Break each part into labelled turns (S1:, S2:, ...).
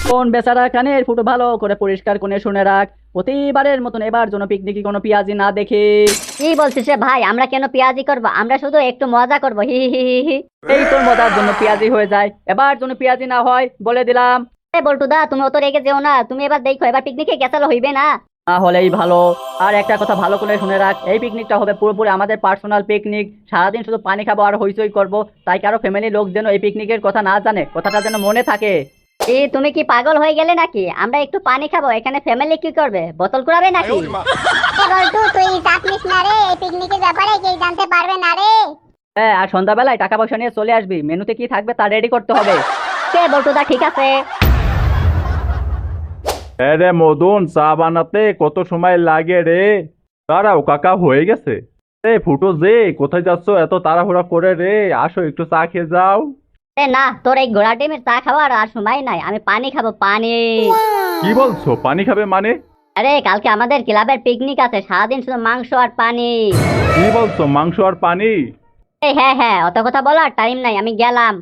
S1: কোন বেচারা কানের ফুটো ভালো করে পরিষ্কার করে শুনে রাখ, প্রতিবারের মতন এবার যেন পিকনিকে কোনো পেঁয়াজি না দেখে।
S2: কি বলছিস রে ভাই? আমরা কেন পেঁয়াজি করব? আমরা শুধু একটু মজা করব, হি হি হি হি হি।
S1: এই তোর মজার জন্য পেঁয়াজি হয়ে যায়, এবার যেন পেঁয়াজি না হয় বলে দিলাম।
S2: বল্টুদা, তুমি অত রেগে যেও না। তুমি এবার দেখো, এবার পিকনিকে গেছালো হইবে না।
S1: না হলেই ভালো। আর একটা কথা ভালো করে শুনে রাখ, এই পিকনিকটা হবে পুরোপুরি আমাদের পার্সোনাল পিকনিক। সারাদিন শুধু পানি খাবো আর হইচই করবো, তাই কারো ফ্যামিলির লোক যেন এই পিকনিকের কথা না জানে, কথাটা যেন মনে থাকে।
S2: তুমি কি পাগল হয়ে গেলে নাকি? আমরা একটু পানি খাবো, এখানে ফ্যামিলি কি করবে? বোতল কুড়াবে নাকি?
S3: বল্টু, তুই চাপ নিস না রে, এই পিকনিকের ব্যাপারে কেউ জানতে পারবে না রে।
S1: হ্যাঁ, আর সন্ধ্যাবেলায় টাকা পয়সা নিয়ে চলে আসবি, মেনুতে কি থাকবে তা রেডি করতে হবে।
S2: কে বল্টুদা, ঠিক আছে।
S4: হ্যাঁ রে মদন, চা বানাতে কত সময় লাগে রে। দাঁড়াও কাকা, হয়ে গেছে। রে ফুটো যে, কোথায় যাচ্ছ এত তাড়াহুড়া করে রে? আসো একটু চা খেয়ে যাও।
S2: না, তোর এই ঘোড়া ডিমের চা খাওয়ার আর সময় নাই। আমি পানি খাবো, পানি।
S4: কি বলছো? পানি খাবে মানে?
S2: আরে কালকে আমাদের ক্লাবের পিকনিক আছে, সারাদিন শুধু মাংস আর পানি।
S4: কি বলছো, মাংস আর পানি?
S2: এই হ্যাঁ হ্যাঁ, অত কথা বলার টাইম নাই, আমি গেলাম।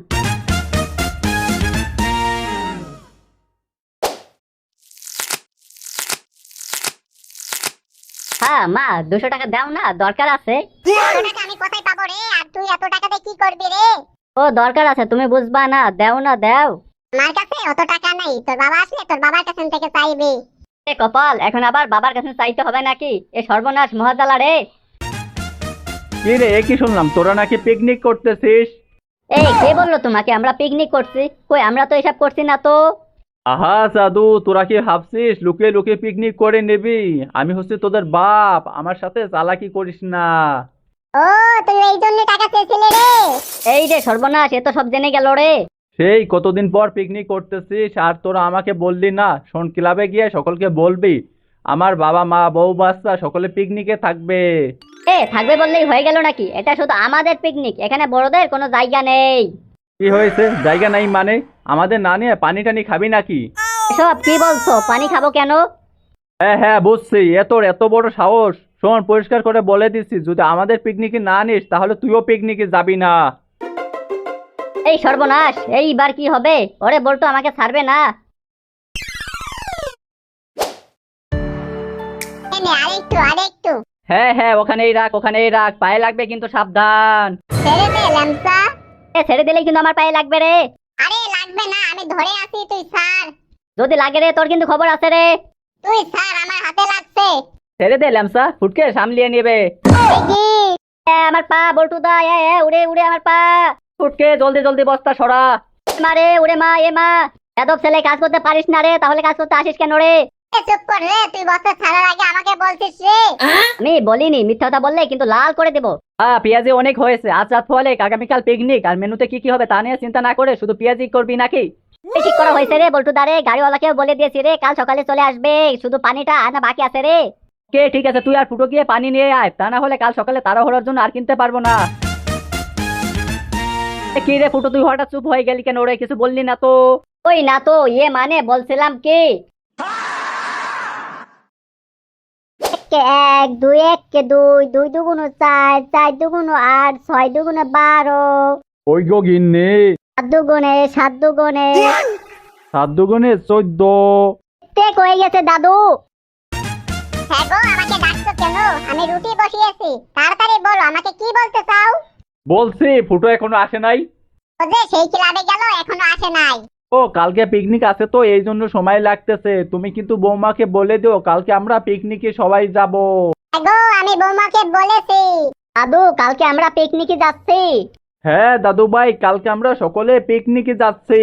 S2: হ্যাঁ মা, 200 টাকা দাও না, দরকার আছে।
S3: এত টাকা আমি কোথায় পাবো রে? আর তুই এত টাকাতে কি করবি রে?
S2: ও দরকার আছে, তুমি বুঝবা না, দাও না দাও।
S3: আমার কাছে অত টাকা নাই, তোর বাবা আসলে তোর বাবার কাছ থেকে চাইবি।
S2: এ কপাল, এখন আবার বাবার কাছে চাইতে হবে নাকি? এ সর্বনাশ মহাজালা রে।
S4: কি রে, কি শুনলাম তোরা নাকি পিকনিক করতেছিস?
S2: এই কে বললো তোমাকে আমরা পিকনিক করছি? কই, আমরা তো এসব করছি না তো।
S4: আহা সাধু, তোরা কি ভাবছিস লুকিয়ে লুকিয়ে পিকনিক করে নিবি? আমি হচ্ছে তোদের বাপ, আমার সাথে চালাকি করিস না।
S3: ও, তুই এই জন্য টাকা চেয়েছিলে রে?
S2: এই রে সর্বনাশ, এ তো সব জেনে গেল রে।
S4: সেই কতদিন পর পিকনিক করতেছিস আর তোরা আমাকে বললি না? শোন, ক্লাবে গিয়ে সকলকে বলবি আমার বাবা মা বউ বাচ্চা সকলে পিকনিকে থাকবে।
S2: থাকবে বললেই হয়ে গেল নাকি? এটা শুধু আমাদের পিকনিক, এখানে বড়দের কোনো জায়গা নেই।
S4: কি হয়েছে? জায়গা নাই মানে? আমাদের না নিয়ে পানি টানি খাবি নাকি?
S2: এসব কি বলছো? পানি খাবো কেন?
S4: হ্যাঁ হ্যাঁ বুঝছি, এত বড় সাহস। শোন, পরিষ্কার করে বলে দিচ্ছি, যদি আমাদের পিকনিকে না নিস তাহলে তুইও পিকনিকে যাবি না।
S2: এই সর্বনাশ, এইবার কি হবে? ওরে বলতো, আমাকে ছাড়বে না।
S3: এনে আরেকটু আরেকটু।
S1: হ্যাঁ হ্যাঁ, ওখানেই রাখ ওখানেই রাখ, পায়ে লাগবে কিন্তু সাবধান।
S3: ছেড়ে দে ল্যামসা।
S2: ছেড়ে দিলেই কিন্তু আমার পায়ে লাগবে রে।
S3: আরে লাগবে না, আমি ধরে আছি, তুই ছাড়।
S2: যদি লাগে রে, তোর কিন্তু খবর আছে রে।
S3: তুই ছাড়, আমার হাতে লাগছে।
S1: ছেড়ে দে ল্যামসা, ফুটকে সামলিয়ে নেবে।
S3: দেখি।
S2: আমার পা বল্টুদা, উড়ে উড়ে আমার পা।
S1: ফুটকে জলদি জলদি বস্তা সরা।
S2: মারে উড়ে মা, এ মা। এদব ছেলে, কাজ করতে পারিস না রে, তাহলে কাজ করতে আসিস কেন রে?
S3: চুপ কর রে, তুই বস্তা ছাড়ার আগে আমাকে বলছিস রে?
S2: আমি বলিনি, মিথ্যা কথা বললে কিন্তু লাল করে দেবো।
S1: পেঁয়াজি অনেক হয়েছে, আজ রাত ফলে আগামীকাল পিকনিক, আর মেনুতে কি কি হবে তা নিয়ে চিন্তা না করে শুধু পেঁয়াজি করবি নাকি?
S2: ঠিক করা হয়েছে রে বল্টুদা রে, গাড়িওয়ালাকেও বলে দিয়েছি রে, কাল সকালে চলে আসবে। শুধু পানিটা আনা বাকি আছে রে।
S1: কে ঠিক আছে, তুই আর ফুটো গিয়ে পানি নিয়ে আয়, তা না হলে কাল সকালে তাড়াহুড়োর জন্য আর কিনতে পারবো না। কি রে ফুটো, তুই হঠাৎ চুপ হয়ে গেলি কেন? ওরে কিছু বললি না তো?
S2: ওই না তো, মানে বলছিলাম কি, কে এক দুই, এক কে দুই, দুই দুগুণ চার, চার দুগুণ আট, ছয় দুগুণ 12,
S4: ওই গো গিন্নি,
S2: 7 দুগুণে 7 দুগুণে
S4: 7 দুগুণে 14।
S2: ঠিক হয়ে গেছে দাদু।
S3: হ্যাঁ গো, আমাকে ডাকছো কেন? আমি রুটি বসিয়েছি, তাড়াতাড়ি বলো আমাকে কি বলতে চাও?
S4: বলছি ফুটো এখনো আসে নাই।
S3: ও যে সেই ক্লাবে গেল, এখনো আসে নাই।
S4: ও কালকে পিকনিক আছে তো এই জন্য সময় লাগতেছে। তুমি কিন্তু বৌমাকে বলে দিও কালকে আমরা পিকনিকে সবাই যাব।
S3: হ্যাঁ গো, আমি বৌমাকে বলেছি।
S2: দাদু, কালকে আমরা পিকনিকে যাচ্ছি।
S4: হ্যাঁ দাদু ভাই, কালকে আমরা সকলে পিকনিকে যাচ্ছি।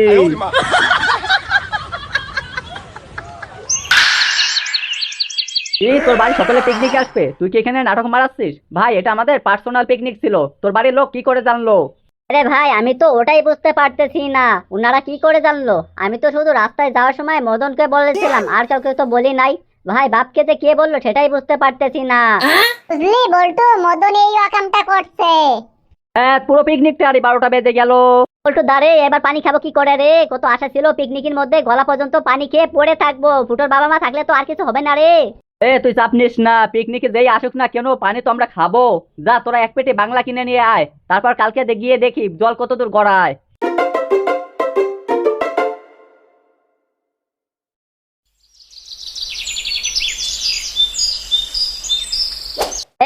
S1: এই তোর বাড়ি সকলে পিকনিকে আসবে, তুই কি এখানে নাটক মারাচ্ছিস? ভাই, এটা আমাদের পার্সোনাল পিকনিক ছিল, তোর বাড়ির লোক কি করে জানলো?
S2: আরে ভাই, আমি তো ওটাই বুঝতে পারতেছি না, ওনারা কি করে জানলো? আমি তো শুধু রাস্তায় যাওয়ার সময় মদনকে বলেছিলাম, আর কাউকে তো বলি নাই। ভাই, বাপকে যে কে বললো সেটাই বুঝতে পারতেছি না।
S3: বুঝলি বল্টু, মদন এই রকমটা করছে।
S1: হ্যাঁ, পুরো পিকনিকটা আর 12টা বেজে গেল।
S2: বল্টু দাঁড়ে, এবার পানি খাবো কি করে রে? কত আশা ছিল পিকনিকের মধ্যে, গলা পর্যন্ত পানি খেয়ে পড়ে থাকবো। ফুটোর বাবা মা থাকলে তো আর কিছু হবে না রে।
S1: তুই চাপ নিস না, পিকনিকে যেই আসুক না কেন পানি তো আমরা খাবো। যা, তোরা এক পেটে বাংলা কিনে নিয়ে আয়, তারপর কালকে গিয়ে দেখি জল কত দূর গড়ায়।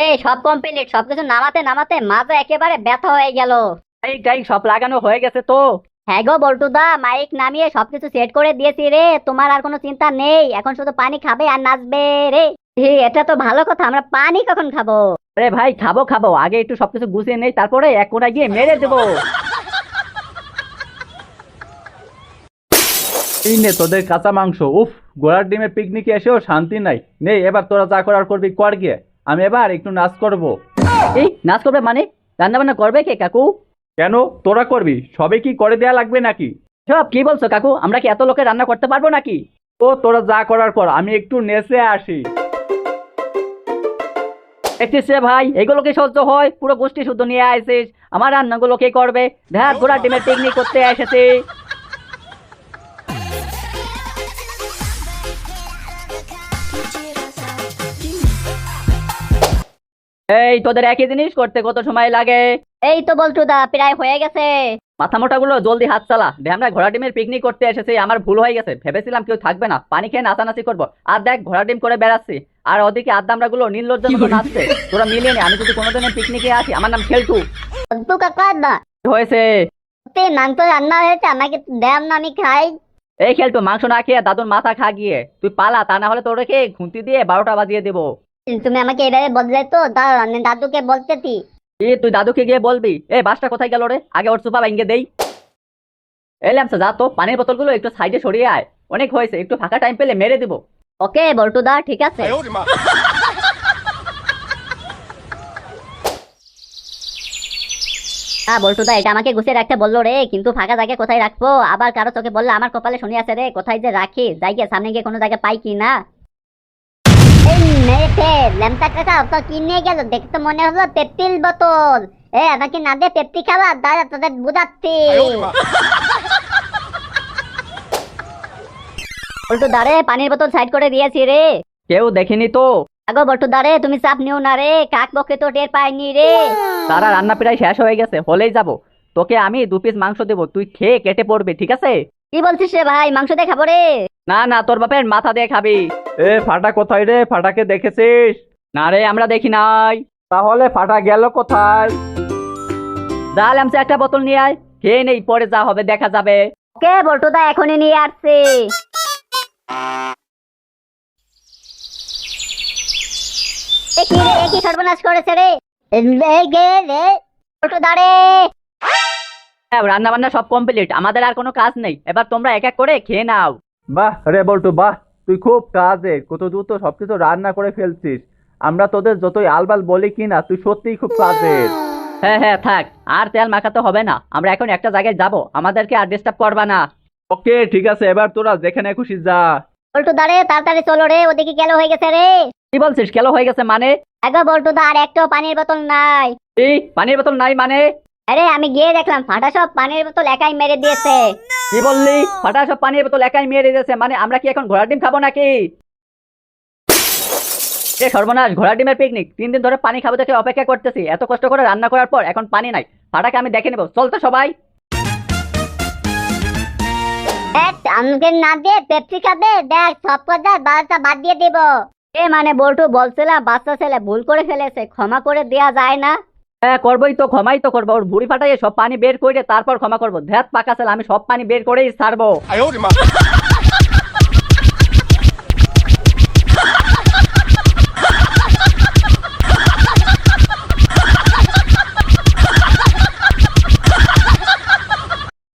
S2: সব কমপ্লিট, সবকিছু নামাতে নামাতে মাথা একেবারে ব্যথা হয়ে গেল।
S1: এই সব লাগানো হয়ে গেছে তো?
S2: হ্যাঁ গো বল্টুদা, মাইক নামিয়ে সবকিছু সেট করে দিয়েছি রে, তোমার আর কোনো চিন্তা নেই, এখন শুধু পানি খাবে আর নাচবে রে। এটা তো ভালো কথা, আমরা পানি কখন খাবো?
S1: আরে ভাই খাবো খাবো, আগে একটু সবকিছু গুছিয়ে নেই, তারপরে এক কোনায় গিয়ে মেরে দেবো।
S4: এই নে তোদের কাঁচা মাংস। উফ, ঘোড়ার ডিমের পিকনিকে এসেও শান্তি নাই। নে এবার তোরা যা করার করবি কর গিয়ে, আমি এবার একটু নাচ করব।
S1: এই নাচ করবে মানে? রান্না বান্না করবে কে কাকু?
S4: কেন, তোরা করবি? সবে কি করে দেয়া লাগবে নাকি?
S1: সব কি বলছো কাকু? আমরা কি এত লোকে রান্না করতে পারবো নাকি?
S4: ও তোরা যা করার কর, আমি একটু নেচে আসি।
S1: দেখছিস রে ভাই, এগুলো কি সহ্য হয়? পুরো গোষ্ঠী শুদ্ধ নিয়ে আসিস, আমার রান্নাগুলো কে করবে? দেখ ঘোড়ার ডিমের পিকনিক করতে এসেছি। এই তোদের একই জিনিস করতে কত সময় লাগে?
S2: এই তো বল্টুদা, প্রায় হয়ে গেছে।
S1: মাথা মোটা গুলো জলদি হাত চালা। আমরা ঘোড়া ডিমের পিকনিক করতে এসেছি, আমার ভুল হয়ে গেছে, ভেবেছিলাম কেউ থাকবে না, পানি খেয়ে নাচানাচি করবো, আর দেখ ঘোড়া ডিম করে বেড়াচ্ছি, আর ওদিকে আদামরা গুলো নির্লজ্জের মতো নাচছে। তোরা মিলিয়ে নে, আমি যদি কোনোদিন পিকনিকে আসি, আমার নাম খেলটু।
S2: বল্টু কাকা না,
S1: কি হয়েছে?
S2: মাংস রান্না হয়েছে, আমাকে দেন না, আমি খাই।
S1: এই খেলটু, মাংস না খেয়ে দাদুর মাথা খা গিয়ে, তুই পালা, তা না হলে তোরকে খুন্তি দিয়ে 12টা বাজিয়ে দেবো।
S2: তুমি আমাকে এভাবে বদলে তো দাদুকে বলতেছি।
S1: তুই দাদুকে গিয়ে বলবি। বাসটা কোথায় গেল রে? আগে ওর সুপা ভেঙে দেই। এলাম যা তো, পানির বোতলগুলো একটু সাইডে সরিয়ে আয়, অনেক হয়েছে, একটু ফাঁকা টাইম পেলে মেরে দেবো।
S2: ওকে বল্টুদা, ঠিক আছে। হ্যাঁ বল্টুদা, এটা আমাকে গুছিয়ে রাখতে বললো রে, কিন্তু ফাঁকা জায়গায় কোথায় রাখবো? আবার কারো চোখে বললে আমার কপালে শুনি আছে রে, কোথায় যে রাখি, যাই গিয়ে সামনে গিয়ে কোনো জায়গায় পাই কি না। এই মেয়েছে ল্যাম্পটা কাকা তো কি নিয়ে গেল? দেখে তো মনে হলো পেপসির বোতল। আমাকে না দিয়ে পেপসি খাওয়া, দাদা তোদের বুঝাচ্ছি। বল্টুদা রে, পানির বোতল সাইড করে দিয়েছি রে।
S1: কেউ দেখেনি তো?
S2: আগো বল্টুদা রে, তুমি চাপ নিও না রে, কাক পক্ষে তো টের পাইনি রে।
S1: তারা রান্না প্রায় শেষ হয়ে গেছে, হলেই যাব। তোকে আমি 2 পিস মাংস দেবো, তুই খেয়ে কেটে পড়বি, ঠিক আছে?
S2: কি বলছিস রে ভাই, মাংস দিয়ে খাবো রে?
S1: না না, তোর বাপের মাথা দিয়ে খাবি।
S4: ফাটা কোথায় রে? ফাটাকে দেখেছিস?
S1: না রে, আমরা দেখি নাই।
S4: তাহলে ফাটা গেল কোথায়?
S1: যা ল্যামসে একটা বোতল নিয়ে আয়, খেয়ে নেই, পরে যা হবে দেখা যাবে।
S2: ওকে বল্টুদা, এখনই নিয়ে আসছি। কি সর্বনাশ করেছে রে? বল্টুদা রে,
S1: রান্না বান্না সব কমপ্লিট, আমাদের আর কোনো কাজ নেই, এবার তোমরা এক এক করে খেয়ে নাও।
S4: বাহ রে বল্টু বাহ, তুই খুব কাজে, কত দ্রুত সবকিছু রান্না করে ফেলছিস। আমরা তোদের যতই আলবাল বলি কিনা, তুই সত্যিই খুব কাজের।
S1: হ্যাঁ থাক, আর তেল মাখাতে হবে না, আমরা এখন একটা জায়গায় যাব, আমাদেরকে আর ডিস্টার্ব করবা না।
S4: ওকে ঠিক আছে, এবার তোরা যেখানে খুশি যা।
S2: বল্টুদা রে, তাড়াতাড়ি চলো রে, ওদিকে কেলো হয়ে গেছে রে।
S1: কি বলছিস কেলো হয়ে গেছে মানে?
S2: আগো বল্টুদা, আর একটাও পানির বোতল নাই।
S1: পানির বোতল নাই মানে?
S2: আরে আমি গিয়ে দেখলাম ফাটা সব পানির বোতল একাই মেরে দিয়েছে।
S1: কি বললি? ফাটা সব পানির বোতল একাই মেরে দিয়েছে মানে? আমরা কি এখন ঘোড়ার ডিম খাবো নাকি? সর্বনাশ, ঘোড়ার ডিমের পিকনিক, 3 দিন ধরে পানি খাবো দেখে অপেক্ষা করতেছি, এত কষ্ট করে রান্না করার পর এখন পানি নাই। ফাটাকে আমি দেখে নেবো, চল তো সবাই।
S2: আমাকে না দিয়ে পেপসি খাবে, দেখ সব কথা 12টা বাদ দিয়ে দিব। মানে বল্টু বলছিলাম, বাচ্চা ছেলে ভুল করে ফেলেছে, ক্ষমা করে দেয়া যায় না?
S1: হ্যাঁ করবোই তো, ক্ষমাই তো করবো, ওর ভুড়ি ফাটাইয়ে সব পানি বের করে তারপর ক্ষমা করবো। ধ্যাত পাকা ছেলে, আমি সব পানি বের করেই ছাড়বো।